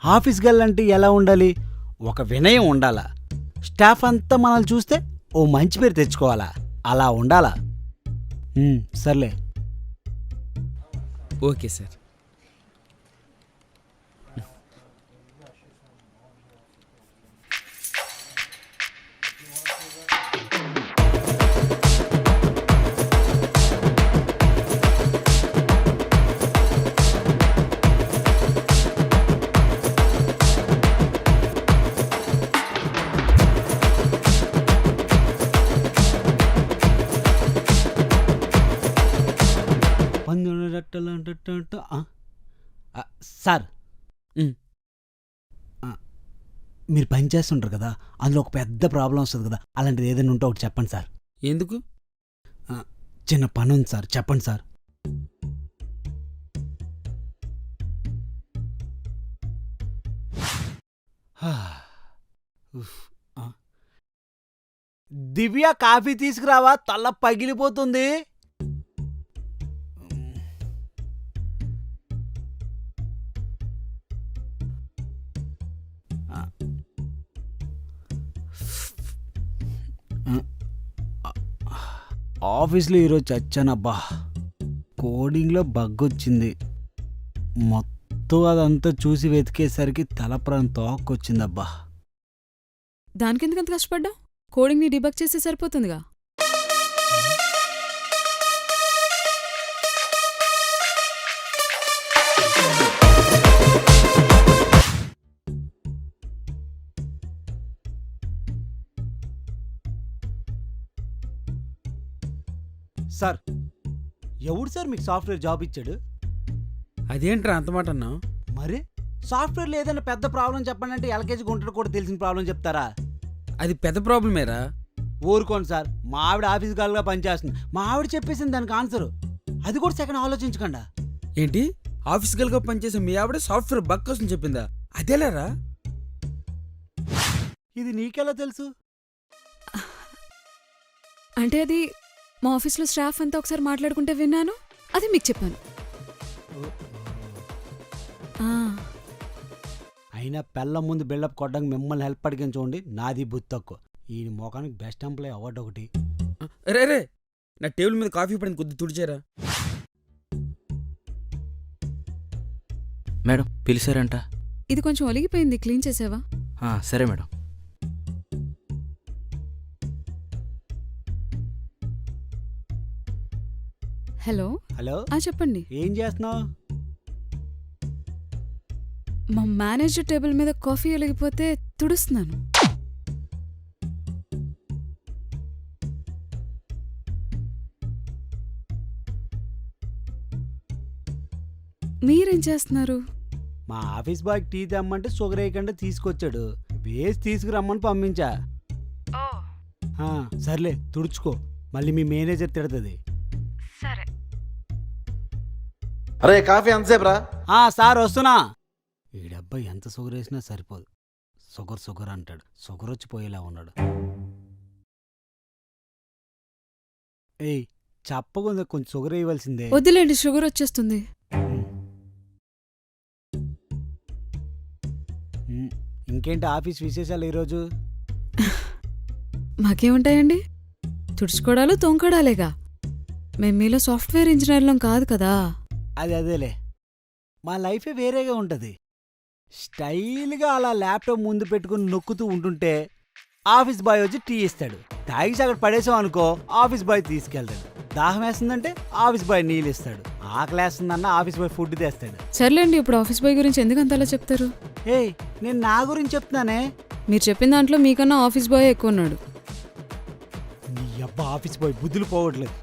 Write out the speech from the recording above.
Office గల్లంటే ఎలా ఉండాలి? ఒక వినయం ఉండాలా. స్టాఫ్ అంతా మనల్ని చూస్తే ఓ మంచి పేరు తెచ్చుకోవాలా. అలా ఉండాలా. సర్లే. Okay sir. సార్, మీరు పని చేస్తుంటారు కదా, అందులో ఒక పెద్ద ప్రాబ్లం వస్తుంది కదా, అలాంటిది ఏదైనా ఉంటే ఒకటి చెప్పండి సార్. ఎందుకు? చిన్న పని ఉంది సార్, చెప్పండి సార్. దివ్య, కాఫీ తీసుకురావా, తల పగిలిపోతుంది. ఆఫీస్లో ఈరోజు చచ్చానబ్బా. కోడింగ్లో బగ్ వచ్చింది. మొత్తం అదంతా చూసి వెతికేసరికి తలప్రాణం తోక్కొచ్చిందబ్బా. దానికెందుకంత కష్టపడ్డా? కోడింగ్ని డిబగ్ చేస్తే సరిపోతుందిగా. సార్, ఎవడు సార్ మీకు సాఫ్ట్వేర్ జాబ్ ఇచ్చాడు? అదేంట్రా అంత మాట అన్నావు? మరి సాఫ్ట్వేర్లో ఏదైనా పెద్ద ప్రాబ్లం చెప్పండి అంటే ఎల్కేజీ గుంటలు కూడా తెలిసిన ప్రాబ్లం చెప్తారా? అది పెద్ద ప్రాబ్లమేరా. ఊరుకోండి సార్, మా ఆవిడ ఆఫీస్ గర్ల్గా పనిచేస్తుంది. మా ఆవిడ చెప్పేసింది దానికి ఆన్సరు. అది కూడా సెకండ్ ఆలోచించకుండా. ఏంటి, ఆఫీస్ గల్గా పనిచేసే మీ ఆవిడ సాఫ్ట్వేర్ బగ్ కోసం చెప్పిందా? అదేలేరా. ఇది నీకెలా తెలుసు? అంటే అది మా ఆఫీస్లో స్టాఫ్ అంతా ఒకసారి మాట్లాడుకుంటే విన్నాను, అది మీకు చెప్పాను. అయినా పెళ్ళం ముందు బిల్డప్ కొట్టడానికి మిమ్మల్ని హెల్ప్ అడిగిన చూడండి, నాది బుద్ధి తక్కువ. ఈ మోకానికి బెస్ట్ ఎంప్లాయ్ అవార్డు ఒకటి. రే రే, నా టేబుల్ మీద కాఫీ పడింది, కొద్ది తుడిచారా? మేడం పిలిచారంట. ఇది కొంచెం ఒలిగిపోయింది, క్లీన్ చేసావా? సరే మేడం. హలో. హలో, చెప్పండి. ఏం చేస్తున్నావు? మా మేనేజర్ టేబుల్ మీద కాఫీ ఒలిగిపోతే తుడుస్తున్నాను. మీరేం చేస్తున్నారు? మా ఆఫీస్ బాయ్ టీ తెమ్మంటే షుగర్ వేయకుండా తీసుకొచ్చాడు. వేసి తీసుకురమ్మని పంపించా. సర్లే, తుడుచుకో, మళ్ళీ మీ మేనేజర్ తిడుతుంది. సరే. అరే కాఫీ ఎంతసేపు రా? సార్ వస్తున్నా. ఈడబ్బాయి ఎంత షుగర్ వేసినా సరిపోదు. షుగర్ షుగర్ అంటాడు, షుగర్ వచ్చిపోయేలా ఉన్నాడు. ఏయ్, చెప్పకుండా కొంచెం షుగర్ వేయవలసిందే. వద్దులేండి, షుగర్ వచ్చేస్తుంది. ఇంకేంటి ఆఫీస్ విశేషాలు ఈరోజు? మాకేముంటాయండి, తుడుచుకోవడాలు తోంకడాలేగా. మేము మీలో సాఫ్ట్వేర్ ఇంజనీర్లం కాదు కదా. అదేలే, మా లైఫే వేరేగా ఉంటుంది. స్టైల్గా అలా ల్యాప్టాప్ ముందు పెట్టుకుని నొక్కుతూ ఉంటుంటే ఆఫీస్ బాయ్ వచ్చి టీ ఇస్తాడు. తాగిసి అక్కడ పడేసాం అనుకో, ఆఫీస్ బాయ్ తీసుకెళ్తాడు. దాహం వేస్తుందంటే ఆఫీస్ బాయ్ నీళ్ళు ఇస్తాడు. ఆకలి వేస్తుందన్న ఆఫీస్ బాయ్ ఫుడ్ తెస్తాడు. సర్లేండి, ఇప్పుడు ఆఫీస్ బాయ్ గురించి ఎందుకు అంతలా చెప్తారు? ఏయ్, నేను నా గురించి చెప్తున్నానే. మీరు చెప్పిన దాంట్లో మీకన్నా ఆఫీస్ బాయ్ ఎక్కువ ఉన్నాడు. నీ అబ్బా ఆఫీస్ బాయ్ బుద్ధులు పోవట్లేదు.